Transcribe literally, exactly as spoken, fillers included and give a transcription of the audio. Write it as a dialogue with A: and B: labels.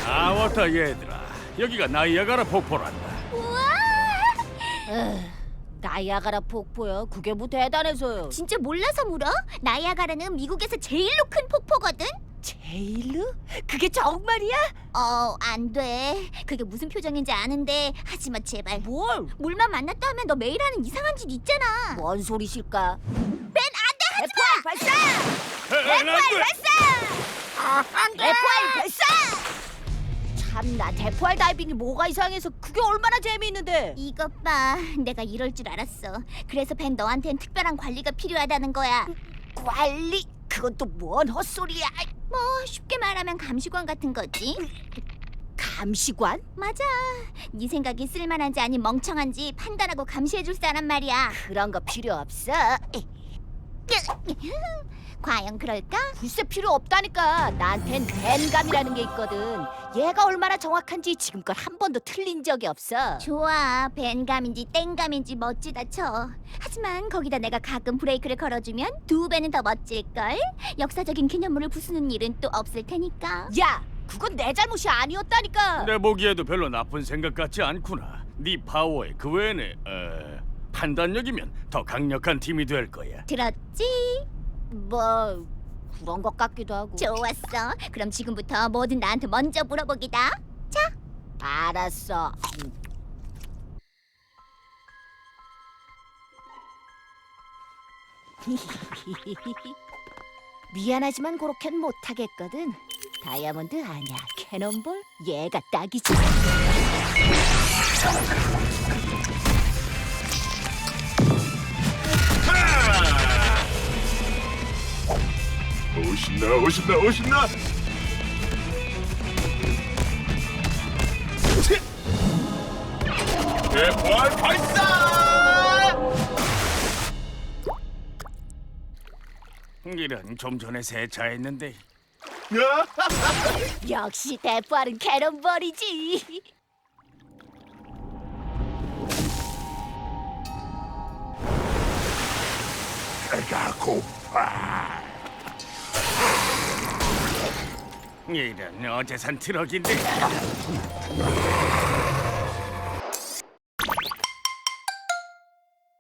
A: 아, 왔다 얘들아. 여기가 나이아가라 폭포란다.
B: 우와!
C: 나이아가라 폭포요? 그게 뭐 대단해서요?
B: 진짜 몰라서 물어? 나이아가라는 미국에서 제일로 큰 폭포거든?
C: 제일로? 그게 정말이야?
B: 어, 안 돼. 그게 무슨 표정인지 아는데 하지 마, 제발.
C: 뭘?
B: 물만 만났다 하면 너 매일 하는 이상한 짓 있잖아.
C: 뭔 소리실까?
B: 벤, 안 돼! 하지
C: 대포알 발사!
B: 대포알 발사!
C: 대포알 발사! 참나, 대포알 다이빙이 뭐가 이상해서 그게 얼마나 재미있는데?
B: 이것 봐. 내가 이럴 줄 알았어. 그래서 벤 너한텐 특별한 관리가 필요하다는 거야.
C: 관리? 그건 또 뭔 헛소리야?
B: 뭐 쉽게 말하면 감시관 같은 거지.
C: 감시관?
B: 맞아. 네 생각이 쓸만한지 아닌 멍청한지 판단하고 감시해줄 사람 말이야.
C: 그런 거 필요 없어. 에이,
B: 과연 그럴까?
C: 글쎄 필요 없다니까. 나한텐 벤감이라는 게 있거든. 얘가 얼마나 정확한지 지금껏 한 번도 틀린 적이 없어.
B: 좋아. 벤감인지 땡감인지 멋지다 쳐. 하지만 거기다 내가 가끔 브레이크를 걸어주면 두 배는 더 멋질걸. 역사적인 기념물을 부수는 일은 또 없을 테니까.
C: 야, 그건 내 잘못이 아니었다니까.
A: 내 보기에도 별로 나쁜 생각 같지 않구나. 네 파워에 그 외에는 어, 판단력이면 더 강력한 팀이 될 거야.
B: 들었지?
C: 뭐 그런 것 같기도 하고.
B: 좋았어. 그럼 지금부터 뭐든 나한테 먼저 물어보기다.
C: 알았어. 미안하지만 그렇게는 못하겠거든. 다이아몬드 아니야, 캐논볼? 얘가 딱이지.
A: 오신나 오신나 오신나. 대포알 발사! 이런, 좀 전에 세차했는데.
C: 역시 대포알은 캐논볼이지.
A: 배가 고파. 이런, 어제 산 트럭인데.